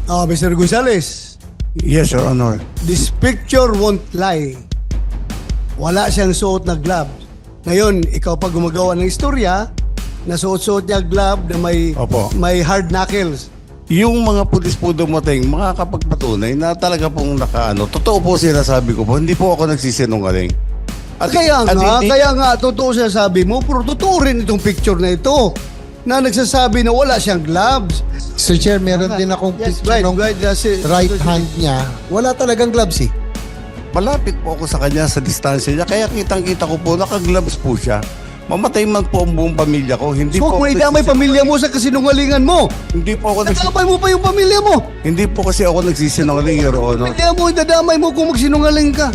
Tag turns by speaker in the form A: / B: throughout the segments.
A: Mr. Gonzales,
B: Yes, Your Honor.
A: this picture won't lie. Wala siyang suot na glove. Ngayon, ikaw pa gumagawa ng istorya, nasuot-suot niya glove na
B: Opo.
A: may hard knuckles.
B: Yung mga pulis po dumating, makakapagpatunay na talaga pong nakaano. Totoo po sinasabi ko po, hindi po ako nagsisinungaling.
A: Kaya nga, totoo sinasabi mo, pero totoo rin itong picture na ito na nagsasabi na wala siyang gloves.
C: Sir Chair, meron din akong
A: Yes,
C: picture ng
A: that's it.
C: right hand niya. Wala talagang gloves eh.
B: Malapit po ako sa kanya sa distansya niya, kaya kitang-kita ko po, naka-gloves po siya. Mamatay man po ang buong pamilya ko. Hindi
A: So
B: po
A: kung
B: ako
A: idamay pamilya mo sa kasinungalingan mo,
B: Hindi po ako
A: nadamay mo pa yung pamilya mo.
B: Hindi po kasi ako nagsisinungaling, Your Honor.
A: Pamilya mo, idadamay mo kung magsinungaling ka.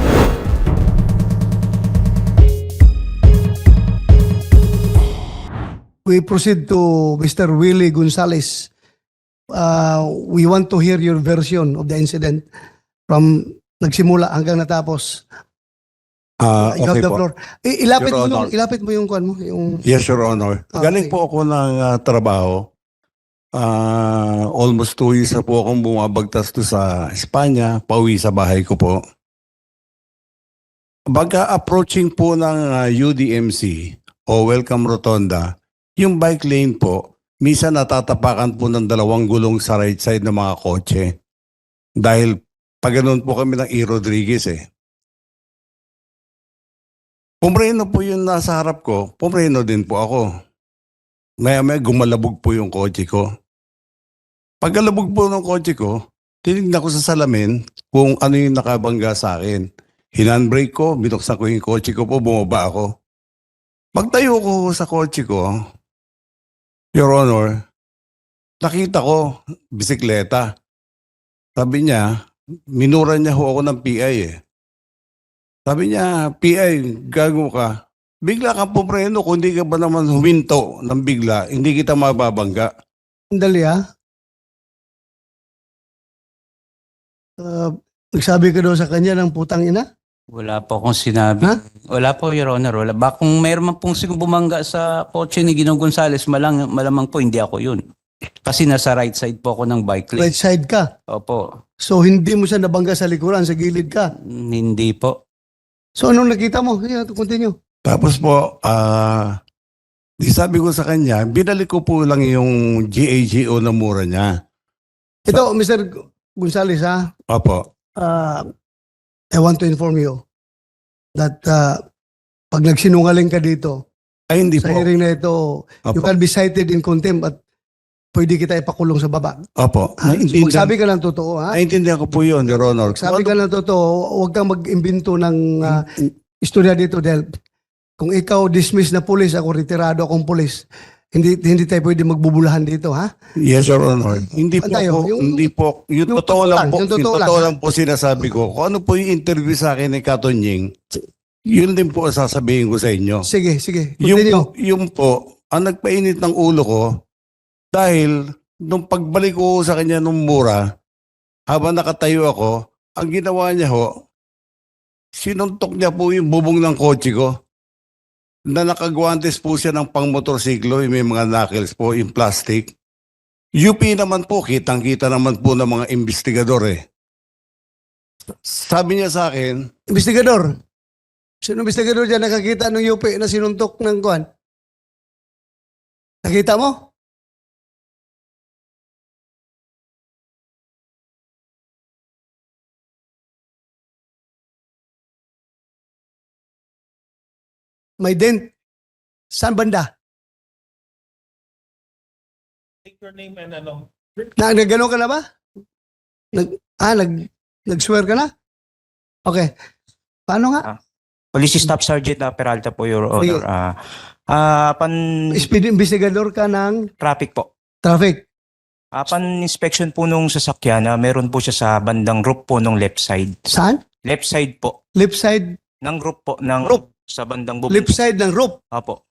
A: We proceed to Mr. Willie Gonzales. We want to hear your version of the incident from nagsimula hanggang natapos. You have
B: Okay
A: the
B: po.
A: floor. Ilapit
B: Your
A: mo
B: Honor.
A: ilapit mo yung kwan mo, yung
B: Yes, Your Honor.
A: Okay.
B: Galing po ako ng trabaho. Almost 2 years na po akong bumabagtas to sa Espanya, pauwi sa bahay ko po. Baga approaching po ng UDMC o Welcome Rotonda, yung bike lane po, minsan natatapakan po ng 2 gulong sa right side ng mga kotse. Dahil pag ganun po kami ng E. Rodriguez eh. Pumreno po yung nasa harap ko, pumreno din po ako. Maya-maya gumalabog po yung kotse ko. Pagkalabog po ng kotse ko, tinignan ko sa salamin kung ano yung nakabangga sa akin. Hinandbrake ko, binuksan ko yung kotse ko po, bumaba ako. Pagtayo ko sa kotse ko, Your Honor, nakita ko, bisikleta. Sabi niya, minura niya ho ako ng PI eh. Sabi niya, PI, gago ka. Bigla kang pupreno kung hindi ka ba naman huminto ng bigla, hindi kita mababangga.
A: Dali nagsabi ka daw sa kanya ng putang ina?
D: Wala po akong sinabi.
A: Ha?
D: Wala po, Your Honor. Wala. Kung mayroon man pong bumangga sa kotse ni Ginong Gonzales, malamang po hindi ako yun. Kasi nasa right side po ako ng bike lane.
A: Right side ka.
D: Opo.
A: So hindi mo siya nabangga sa likuran, sa gilid ka.
D: Hindi po.
A: So anong nakita mo? Yeah, continue.
B: Tapos po, di sabi ko sa kanya, binalik ko po lang yung GAGO na mura niya.
A: Ito, Mr. Gonzales, ha?
B: Opo.
A: I want to inform you that pag nagsinungaling ka dito,
B: Ay, hindi
A: sa
B: po.
A: hearing na ito, you
B: Opo.
A: can be cited in contempt at pwede kita ipakulong sa baba.
B: Opo.
A: Ha? So,
B: Naintindihan,
A: magsabi ka ng totoo, ha?
B: naintindihan ko po yun, Your Honor.
A: Sabi ka ng totoo, huwag kang mag-imbento ng istorya dito dahil kung ikaw dismiss na pulis, ako retirado akong pulis, hindi tayo pwede magbubulahan dito, ha?
B: Yes, Your Honor. Hindi po
A: Antayo,
B: ako, hindi po, yung totoo lang po,
A: yung totoo
B: yung totoo
A: lang.
B: lang po sinasabi ko. Kung ano po yung interview sa akin ni Katonying, yun din po ang sasabihin ko sa inyo.
A: Sige, continue.
B: Yung po, ang nagpainit ng ulo ko, dahil nung pagbalik ko sa kanya nung mura, habang nakatayo ako, ang ginawa niya ho, sinuntok niya po yung bubong ng kotse ko. Na nakagwantes po siya ng pang-motorsiklo, yung may mga knuckles po, yung plastic. UP naman po, kitang-kita naman po ng mga investigador eh. Sabi niya sa akin,
A: Investigador. Sino investigador dyan nakakita ng UP na sinuntok ng kuwan? Nakita mo? May dent. Saan banda?
E: Take your name and ano.
A: Nagano ka na ba? Nag-swear ka na? Okay. Paano nga?
F: Police Staff Sergeant Peralta po, Your
A: Sige.
F: Honor. Pan
A: Speed investigador ka ng
F: traffic po.
A: traffic.
F: Pan inspection po nung sasakyan, meron po siya sa bandang roof po nung left side.
A: Saan?
F: Left side po.
A: Left side.
F: Ng roof po. Ng
A: Roof.
F: Sa bandang bubong.
A: Left side ng roof.
F: Apo.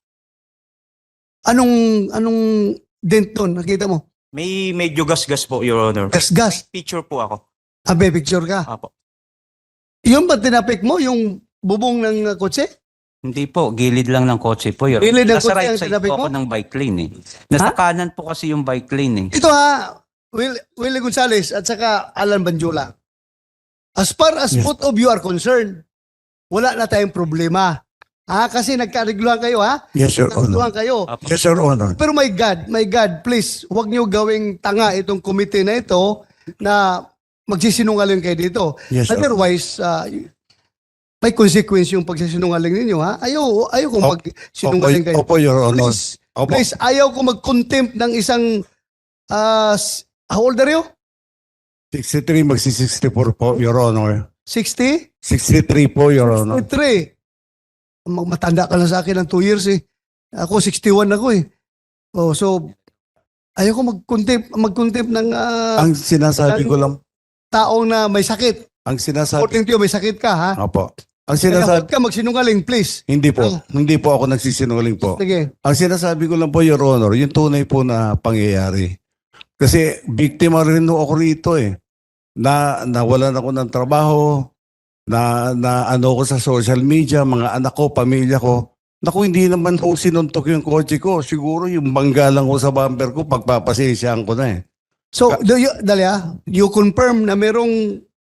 A: Anong dent doon? Nakita mo?
F: May medyo gas-gas po, Your Honor.
A: Gas-gas.
F: Picture po ako.
A: Abe, picture ka.
F: Apo.
A: Yung ba tinapik mo? Yung bubong ng kotse?
D: Hindi po. Gilid lang ng kotse po. Your
A: Gilid ng
D: Nasa
A: kotse
D: right
A: ang
D: side
A: sinabi
D: po
A: mo?
D: ako ng bike lane eh. Nasa kanan po kasi yung bike lane eh.
A: Ito ha, Willie Gonzales at saka Alan Banjula. As far as
B: Yes.
A: both of you are concerned, wala na tayong problema. Kasi nagkarigluhan kayo, ha?
B: Yes, Your
A: Nagkarigluhan kayo.
B: Yes, Your Honor.
A: Pero my God, please, huwag niyo gawing tanga itong committee na ito na magsisinungaling kayo dito.
B: Yes, Your
A: Otherwise, may consequence yung pagsisinungaling ninyo, ha? Ayaw kung magsinungaling kayo.
B: Opo, Your Honor.
A: Please,
B: Opo.
A: please, ayaw ko mag-contempt ng isang, how old are you?
B: 63, magsi-64 po, Your Honor.
A: 60?
B: 63 po, Your Honor.
A: 63. Matanda ka na sa akin ng 2 years eh. Ako 61 ako eh. Oh, so ayaw ko mag-contempt ng
B: Ang sinasabi ko lang,
A: taong na may sakit.
B: ang sinasabi,
A: According to you, may sakit ka, ha?
B: opo. Ang
A: Kaya
B: sinasabi,
A: huwag ka magsinungaling, please.
B: hindi po ako nagsisinungaling po.
A: Sige.
B: Ang sinasabi ko lang po, Your Honor, yung tunay po na pangyayari. Kasi biktima rin ako rito eh. Nawalan ako ng trabaho, na ano ko sa social media, mga anak ko, pamilya ko. Naku, hindi naman po sinuntok yung kotse ko. Siguro yung bangga lang ko sa bumper ko, pagpapasensyahan ko na eh.
A: So, you confirm na merong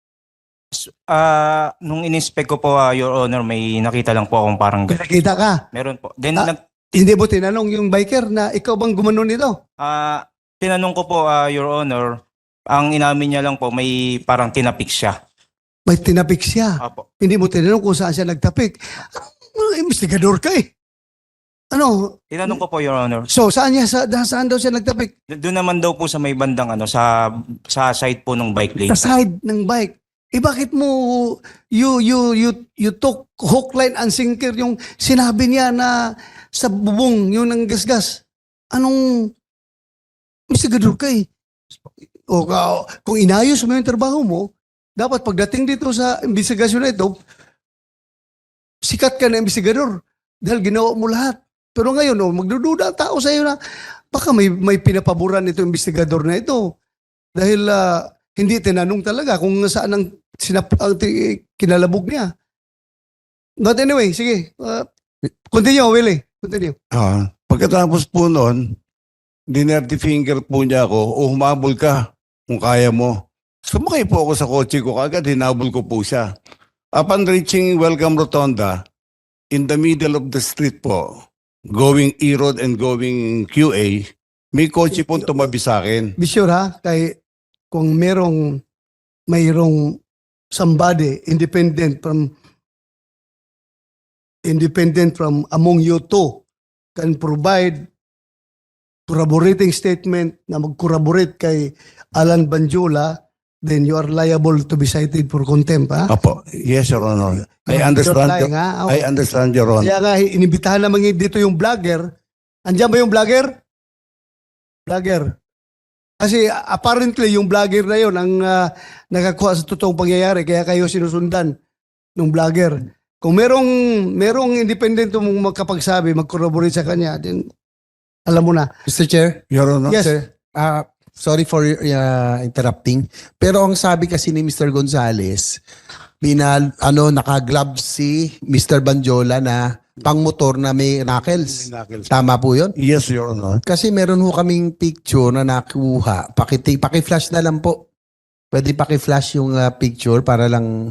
F: Nung in-inspect ko po, Your Honor, may nakita lang po akong parang
A: nakita ka.
F: meron po. Then
A: Hindi mo tinanong yung biker na ikaw bang gumano nito?
F: tinanong ko po, Your Honor, ang inamin niya lang po may parang tinapik siya.
A: May tinapik siya.
F: Apo.
A: Hindi mo tinanong kung saan siya nagtapik. Investigador ka eh. Ano?
F: Tinanong ko po, Your Honor.
A: So, saan daw siya nagtapik?
F: Doon naman daw po sa may bandang sa side po ng bike lane.
A: Sa side ng bike. Bakit mo you took hook, line and sinker yung sinabi niya na sa bubong yun ang gasgas? Anong investigador ka eh? Kung inayos mo yung trabaho mo, dapat pagdating dito sa investigasyon na ito, sikat ka na investigador dahil ginawa mo lahat. Pero ngayon, magdududa ang tao sa iyo na baka may pinapaboran ito investigador na ito. Dahil hindi tinanong talaga kung saan ang kinalabog niya. But anyway, sige. Continue, Willie. Continue.
B: Pagkatapos po noon, dinerty finger po niya ako, humabol ka kung kaya mo. Sumakay po ako sa kotse ko, kagad hinabol ko po siya. Upon reaching Welcome Rotonda, in the middle of the street po, going E-Road and going QA, may kotse po tumabi sa akin.
A: Be sure ha, kung mayroong somebody independent from among you two can provide corroborating statement na mag-corroborate kay Alan Banjula, then you are liable to be cited for contempt, ha?
B: Apo, yes, Your Honor. I
A: You're
B: understand,
A: lying, ha?
B: I understand, Your Honor.
A: Kaya nga, inibitahan naman dito yung vlogger. Andiyan ba yung vlogger? Vlogger. Kasi apparently yung vlogger na yun ang nakakuha sa totoong pangyayari, kaya kayo sinusundan ng vlogger. Kung merong independent mong magkapagsabi, mag-corroborate sa kanya, then alam mo na.
C: Mr. Chair,
B: Your Honor.
A: Yes.
C: sir, sorry for interrupting. Pero ang sabi kasi ni Mr. Gonzales, naka-glove si Mr. Banjola na pang-motor na may knuckles. Tama po yun?
B: Yes, Your Honor.
C: Kasi meron ho kaming picture na nakuha. Paki-flash na lang po. Pwede paki-flash yung picture para lang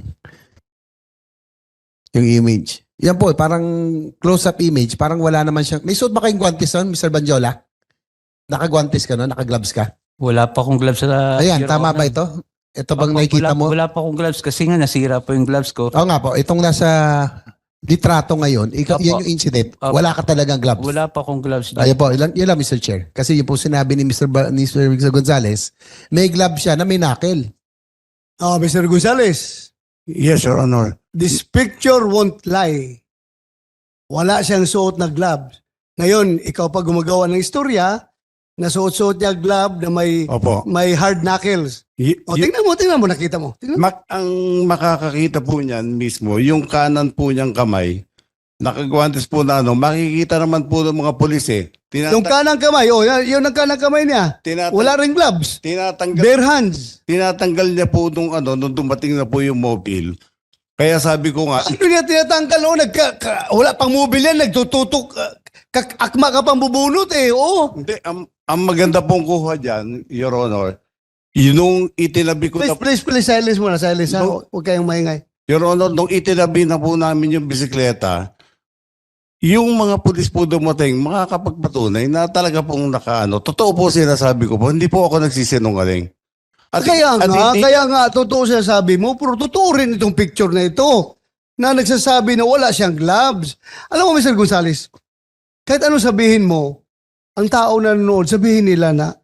C: yung image. Yan po, parang close-up image. Parang wala naman siya. May suot ba kayong guantes nun, Mr. Banjola? Naka-guantes ka nun? Naka-gloves ka?
D: Wala pa akong gloves sa...
C: Ayan,
D: Your
C: tama
D: Honor.
C: ba ito? Ito bang
D: Opo,
C: nakikita mo?
D: Wala pa akong gloves kasi nga nasira po yung gloves ko.
C: Oo nga po, itong nasa litrato ngayon,
D: Opo.
C: yan yung incident.
D: Opo.
C: Wala ka talagang gloves.
D: Wala pa akong gloves.
C: Ayun po, yun lang Mr. Chair. Kasi yun po sinabi ni Mr. Gonzales, may glove siya na may knuckle.
A: Mr. Gonzales,
B: Yes, Your Honor.
A: this picture won't lie. Wala siyang suot na gloves. Ngayon, ikaw pa gumagawa ng istorya, nasuot-suot niya glove na
B: Opo.
A: may hard knuckles. Tingnan mo, nakita mo. Tingnan mo.
B: Ang makakakita po niyan mismo, yung kanan po niyang kamay, nakagwantes po na makikita naman po ng mga pulis eh.
A: Yung kanang kamay, yun ang kanang kamay niya. Wala ring gloves. Bare hands.
B: Tinatanggal niya po nung dumating na po yung mobile. Kaya sabi ko nga,
A: Ano niya tinatanggal? Wala pang mobile yan, nagtututok. Akma ka pang bubunot eh. Oo.
B: hindi, ang maganda pong kuha dyan, Your Honor, Nung itinabi ko na,
A: Please, silence muna, silence ha.
B: No.
A: Huwag kayong maingay.
B: Your Honor, nung itinabi na po namin yung bisikleta, yung mga pulis po dumating, makakapagpatunay na talaga pong nakaano. Totoo po sinasabi ko po, hindi po ako nagsisinungaling.
A: Kaya nga, totoo sinasabi mo, pero totoo rin itong picture na ito na nagsasabi na wala siyang gloves. Alam mo, Mr. Gonzales, kahit ano sabihin mo, ang tao na nanonood, sabihin nila na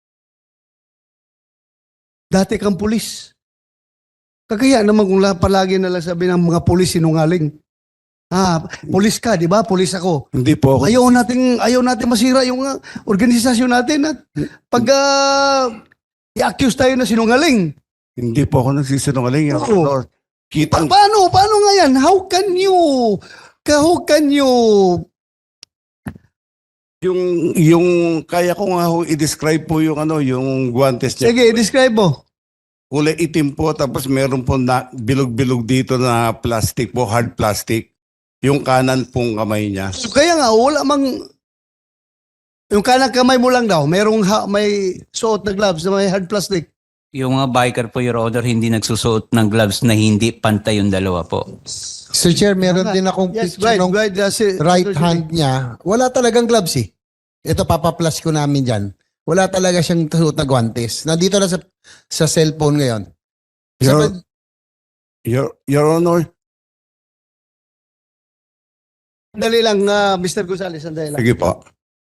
A: dati kang pulis. Kagaya naman kung palagi nalang sabi ng mga pulis sinungaling. Pulis ka, di ba? Pulis ako.
B: Hindi po ako.
A: Ayaw natin masira yung organisasyon natin at pag i-accuse tayo na sinungaling.
B: Hindi po ako nagsisinungaling, Your
A: Oo.
B: Honor. Kitang,
A: Paano nga yan? How can you
B: yung kaya ko nga ho i-describe po yung yung guantes niya.
A: sige, describe mo.
B: Kulay itim po, tapos meron po na bilog-bilog dito na plastic po, hard plastic. Yung kanan pong kamay niya.
A: Kaya nga, wala mang yung kanang kamay mo lang daw, may suot na gloves na may hard plastic.
D: Yung mga biker po, Your Honor, hindi nagsusuot ng gloves na hindi pantay yung dalawa po.
C: Sir Chair, meron din akong
A: Yes,
C: picture ng
A: right. That's it.
C: right hand niya. Wala talagang gloves eh. Ito, papaplas ko namin dyan. Wala talaga siyang suot na guantes. Nandito na sa cellphone ngayon.
B: Your Honor,
A: Sandali lang, Mr. Gonzales, sandali lang.
B: sige po.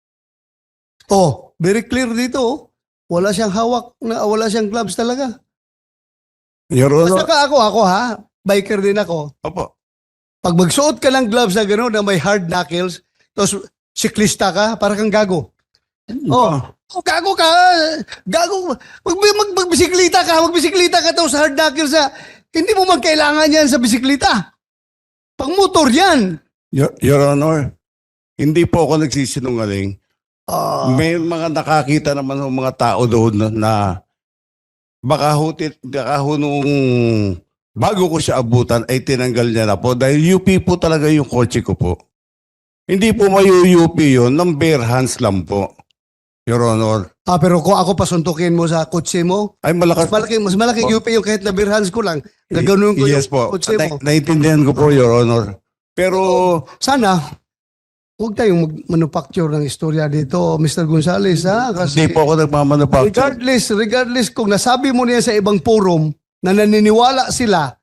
A: Oh, very clear dito. Oh. Wala siyang hawak, wala siyang gloves talaga.
B: Your Honor,
A: Basta ako ha, biker din ako.
B: opo.
A: Pag magsuot ka ng gloves na gano'n na may hard knuckles, tapos siklista ka, para kang gago. Oh, gago ka. Gago. Magbisiklita ka tapos hard knuckles na. Hindi mo magkailangan yan sa bisiklita. Pang motor yan.
B: Your Honor, hindi po ako nagsisinungaling. May mga nakakita naman ng mga tao doon na baka ho nung bago ko siya abutan ay tinanggal niya na po dahil UP po talaga yung kotse ko po. Hindi po UP yun, ng bare hands lang po, Your Honor.
A: Pero kung ako pasuntukin mo sa kotse mo,
B: Ay malakas.
A: mas malaking UP yung kahit na birhans ko lang. Gaganoon ko
B: Yes
A: yung
B: po.
A: kotse mo.
B: Naiintindihan ko po, Your Honor. Pero
A: Sana, huwag tayong manufacture ng istorya dito, Mr. Gonzales, ha? Kasi
B: hindi po ako nagmamanufacture.
A: regardless kung nasabi mo niya sa ibang forum na naniniwala sila,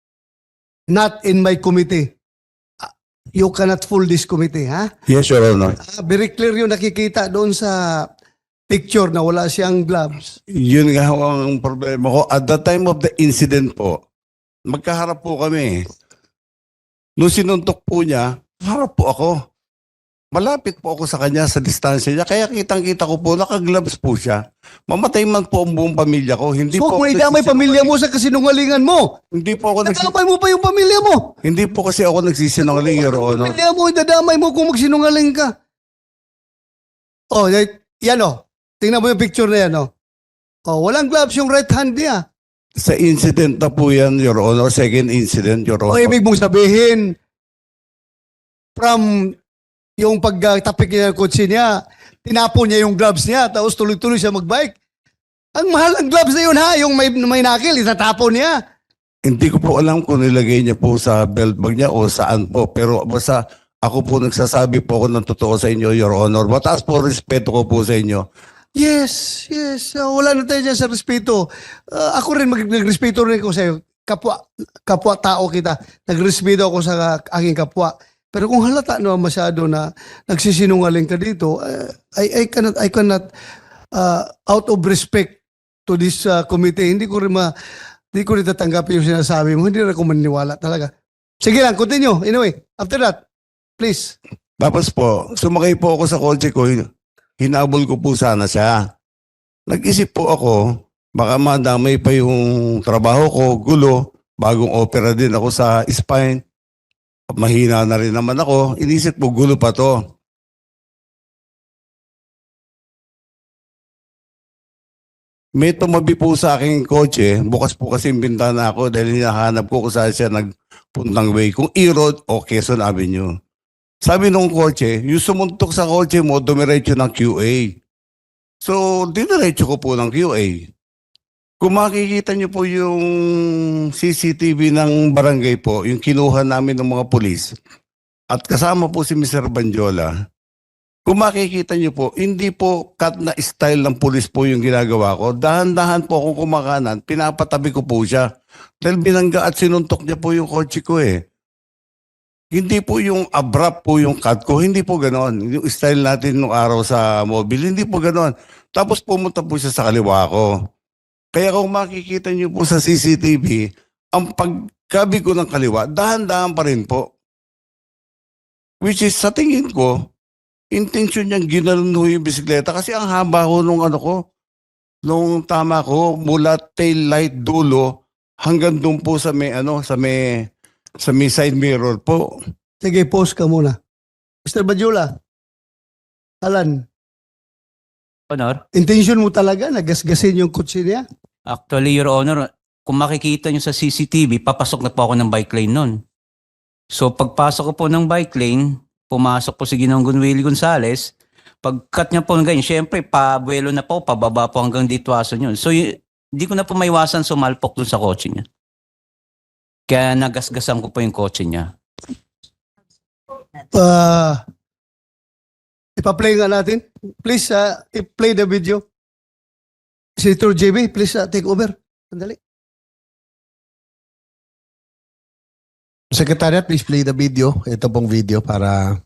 A: not in my committee. You cannot fool this committee, ha?
B: Yes, Your Honor.
A: Very clear yung nakikita doon sa picture na wala siyang gloves.
B: Yun nga ho ang problema ko. At the time of the incident po, magkaharap po kami. Nung sinuntok po niya, harap po ako. Malapit po ako sa kanya sa distansya niya. Kaya kitang-kita ko po, nakagloves po siya. Mamatay man po ang buong pamilya ko. Hindi
A: So
B: po
A: kung
B: ako
A: idamay
B: nagsisinungaling.
A: pamilya mo sa kasinungalingan mo,
B: Hindi po ako
A: nadamay mo pa yung pamilya mo.
B: Hindi po kasi ako nagsisinungaling, Your Honor.
A: Pamilya mo, idadamay mo kung magsinungaling ka. Oh, yan oh. Tingnan mo yung picture na yan oh. Oh, walang gloves yung right hand niya.
B: Sa incident na po yan, Your Honor. Second incident, Your
A: O
B: Honor.
A: ibig mong sabihin, from yung pagtapik niya ng kotse niya, tinapon niya yung gloves niya, tapos tuloy-tuloy siya magbike. Ang mahal ang gloves na yun ha, yung may nakil, itatapon niya.
B: Hindi ko po alam kung nilagay niya po sa belt bag niya o saan po. Pero basta ako po nagsasabi po ako ng totoo sa inyo, Your Honor. Mataas po respeto ko po sa inyo.
A: Yes. Wala na tayo dyan sa respeto. Ako rin, nagrespeto rin ako sa'yo. Kapwa tao kita. Nagrespeto ako sa aking kapwa. Pero kung halata naman masyado na nagsisinungaling ka dito, I cannot out of respect to this committee, hindi ko rin tatanggapin yung sinasabi mo. Hindi rin ako maniniwala talaga. Sige lang, continue. Anyway, after that, please.
B: Tapos po, sumakay po ako sa kotse ko. Hinabol ko po sana siya. Nag-isip po ako, baka madamay pa yung trabaho ko, gulo. Bagong opera din ako sa spine. Mahina na rin naman ako. Inisip po, gulo pa to. May tumabi po sa aking kotse. Bukas po kasi yung bintana ako dahil hinahanap ko kung saan siya nagpuntang way. Kung E-Road o Quezon Avenue. Sabi nung kotse, yung sumuntok sa kotse mo, dumiretso ng QA. So, diniretso ko po ng QA. Kung makikita niyo po yung CCTV ng barangay po, yung kinuha namin ng mga pulis, at kasama po si Mr. Banjola, kung makikita niyo po, hindi po cut na style ng pulis po yung ginagawa ko. Dahan-dahan po akong kumakanan, pinapatabi ko po siya. Dahil binangga at sinuntok niya po yung kotse ko eh. Hindi po yung abrupt po yung cut ko, hindi po ganon. Yung style natin nung araw sa mobile, hindi po ganon. Tapos pumunta po siya sa kaliwa ko. Kaya kung makikita niyo po sa CCTV, ang pagkabi ko ng kaliwa, dahan-dahan pa rin po. Which is, sa tingin ko, intention niyang ginalun ho yung bisikleta kasi ang haba ho nung ano ko, nung tama ko, mula tail light dulo hanggang doon po sa may side mirror po.
A: Sige, pause ka muna. Mr. Badjula, Alan,
D: Honor,
A: intention mo talaga na gasgasin yung kutsi niya?
D: actually, Your Honor, kung makikita nyo sa CCTV, papasok na po ako ng bike lane nun. So pagpasok ko po ng bike lane, pumasok po si Ginoong Willie Gonzales, pag-cut niya po ng ganyan, syempre, pabuelo na po, pababa po hanggang dito aso yun. So hindi ko na po maiwasan sumalpok dun sa kotse niya. Kaya nagasgasan ko po yung kotse niya.
A: Ipa-play nga natin. Please, i-play the video. Senator JB, please take over. Sandali.
C: Secretariat, please play the video. Ito pong video para...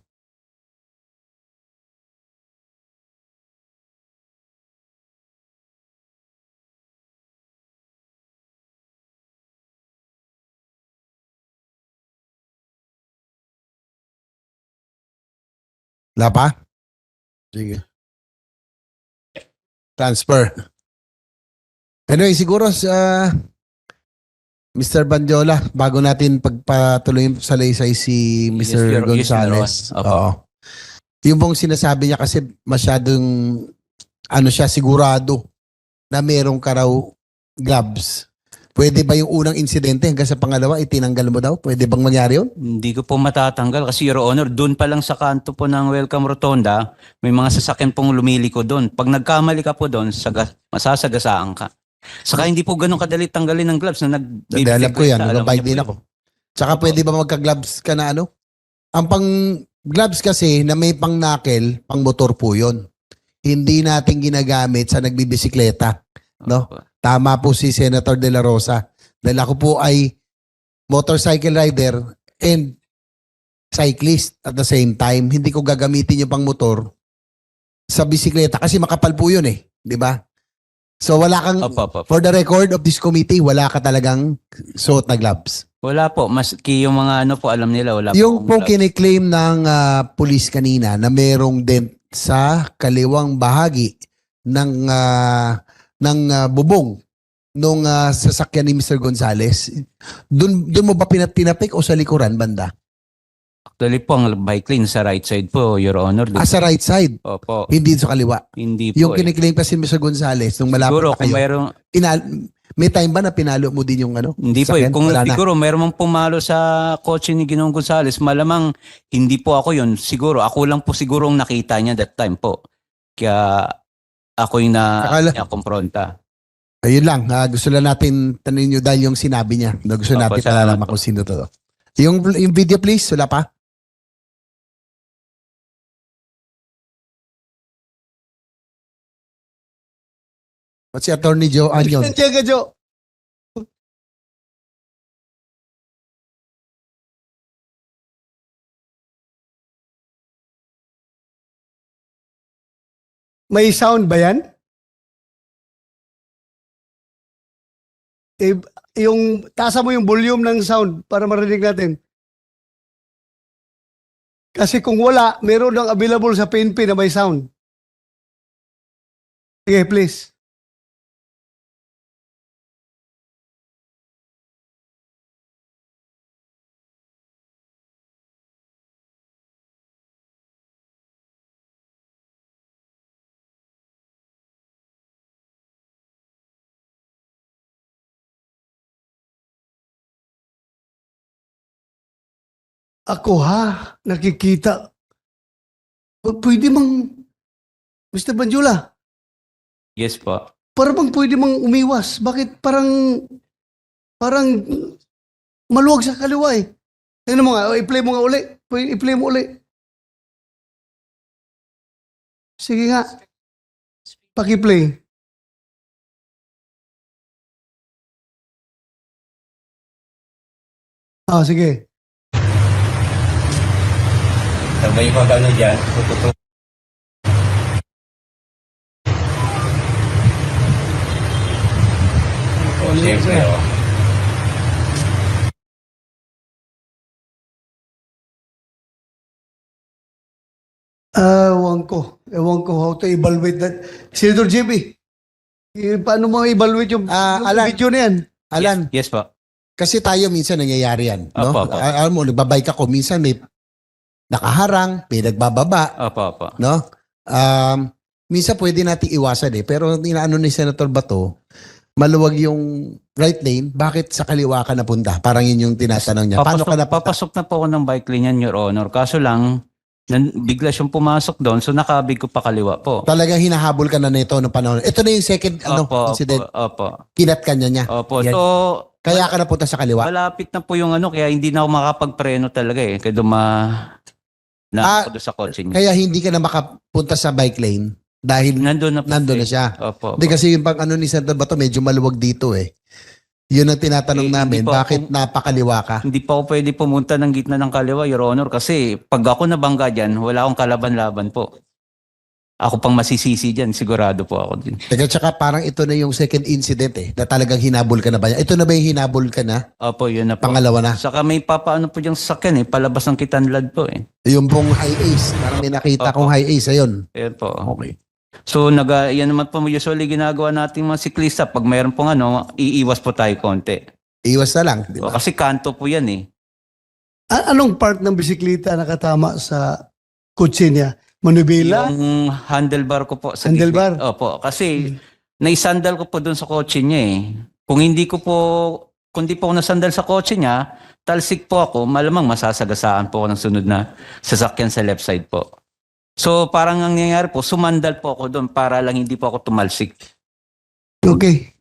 C: Wala pa? Sige. Transfer. Anyway, siguro sa Mr. Banjola, bago natin pagpatuloy sa laysay si Mr.
D: Your- yes, Your
C: Gonzales.
D: Honor. Opo.
C: Oo. Yung pong sinasabi niya kasi masyadong siya sigurado na merong ka raw gloves. Pwede ba yung unang insidente hanggang sa pangalawa itinanggal mo daw? Pwede bang mangyari yun?
D: Hindi ko po matatanggal kasi Your Honor, doon pa lang sa kanto po ng Welcome Rotonda, may mga sasakyan pong lumiliko doon. Pag nagkamali ka po doon, masasagasaan ka. Saka hindi po ganun kadali tanggalin ng gloves na
C: Dahil alam ko yan,
D: Alam
C: nagbabike
D: niyo po
C: din
D: yun.
C: ako. Tsaka pwede ba magka-gloves ka na ano? Ang pang-gloves kasi na may pang-knuckle, pang-motor po yun. Hindi natin ginagamit sa nagbibisikleta. No?
D: Opo.
C: Tama po si Senator De La Rosa. Dahil ako po ay motorcycle rider and cyclist at the same time. Hindi ko gagamitin yung pang-motor sa bisikleta kasi makapal po yun eh. Di ba? So wala kang,
D: Opo.
C: for the record of this committee, wala ka talagang suot na gloves.
D: Wala po. Maski yung mga ano po, alam nila, wala
C: Yung po
D: po.
C: kiniklaim ng police kanina na merong dent sa kaliwang bahagi ng bubong nung sasakyan ni Mr. Gonzales. Doon mo ba tinapik o sa likuran banda?
D: Actually po, ang bike lane sa right side po, Your Honor.
C: Sa right side,
D: Opo.
C: hindi sa kaliwa.
D: Hindi po.
C: Yung kiniklaim kasi ni Mr. Gonzales nung malapit
D: Siguro
C: na
D: kung
C: kayo.
D: mayroong,
C: May time ba na pinalo mo din yung ano?
D: hindi po eh.
C: sasakyan?
D: Kung
C: Wala na.
D: siguro mayroong pumalo sa kotse ni Ginoong Gonzales, malamang hindi po ako yun. Siguro, ako lang po siguro ang nakita niya that time po. Kaya ako yung na-kompronta.
C: Ayun lang, gusto lang natin tanongin nyo dahil yung sinabi niya. Gusto
D: Opo,
C: natin
D: salamat
C: malalaman
D: po.
C: kung sino to. Yung video please, wala pa? What's si Attorney Joe Anyon?
A: Tiyaga, Joe. May sound ba yan? Tasa mo yung volume ng sound para marinig natin. Kasi kung wala, meron lang available sa PNP na may sound. Sige, please. Ako ha, nakikita. Pwede mang, Mr. Banjula,
D: Yes po.
A: para bang pwede mang umiwas? Bakit parang maluwag sa kaliwa eh? Tingnan mo nga, i-play mo nga uli. I-play mo uli. Sige nga. Paki-play. Sige.
D: Sabay ko ano dyan. Siyempre,
A: Ewan ko how to evaluate that. Senator JB, paano mo evaluate yung
C: Alan.
A: video na yan?
C: Alan,
D: Yes po.
C: kasi tayo minsan nangyayari yan. No?
D: Opo, opo.
C: Alam mo, nagbabike ako, minsan may nakaharang, may nagbababa.
D: Opo.
C: No? Minsan pwede nating iwasan eh. Pero inaano ni Senator Bato, maluwag yung right lane, bakit sa kaliwa ka napunta? Parang yun yung tinatanong niya. Paano ka napunta?
D: Papasok na po ako ng bike lane yan, Your Honor. Kaso lang, bigla siyang pumasok doon, so nakabig ko pa kaliwa po.
C: Talagang hinahabol ka na nito ng panahon. Ito na yung second incident.
D: Opo.
C: Kinat ka niya.
D: Opo.
C: Yan.
D: So,
C: Kaya ka napunta sa kaliwa.
D: malapit na po yung kaya hindi na ako makapagpreno talaga eh. Kaya ako doon sa kotse niya.
C: Kaya hindi ka na makapunta sa bike lane dahil
D: Nandun na po.
C: nandun na siya.
D: Opo.
C: Hindi kasi yung pang ni Senator Bato, medyo maluwag dito eh. Yun ang tinatanong
D: Eh,
C: namin,
D: hindi po
C: bakit napakaliwa ka?
D: Hindi pa ako pwede pumunta ng gitna ng kaliwa, Your Honor, kasi pag ako nabangga dyan, wala akong kalaban-laban po. Ako pang masisisi dyan, sigurado po ako din.
C: Teka, tsaka parang ito na yung second incident eh, na talagang hinabol ka na ba? Ito na ba yung hinabol ka na?
D: Opo, yun na po.
C: Pangalawa na?
D: Saka may papaano po diyang sasakyan palabas ng Kitanlad po eh.
C: Yung pong high ace, parang may nakita
D: Opo.
C: kong high ace, ayun.
D: Ayan po.
C: Okay.
D: So, yan naman po usually ginagawa nating mga siklista. Pag mayroon pong iiwas po tayo konti.
C: Iwas na lang, di ba?
D: Kasi kanto po yan eh.
A: Anong part ng bisikleta nakatama sa kotse niya? Manubila?
D: Yung handlebar ko po. Sa
A: Handlebar?
D: gilid. Opo. Kasi naisandal ko po doon sa kotse niya eh. Kung di po ako nasandal sa kotse niya, talsik po ako, malamang masasagasaan po ako ng sunod na sasakyan sa left side po. So parang ang nangyayari po, sumandal po ako doon para lang hindi po ako tumalsik.
A: Okay.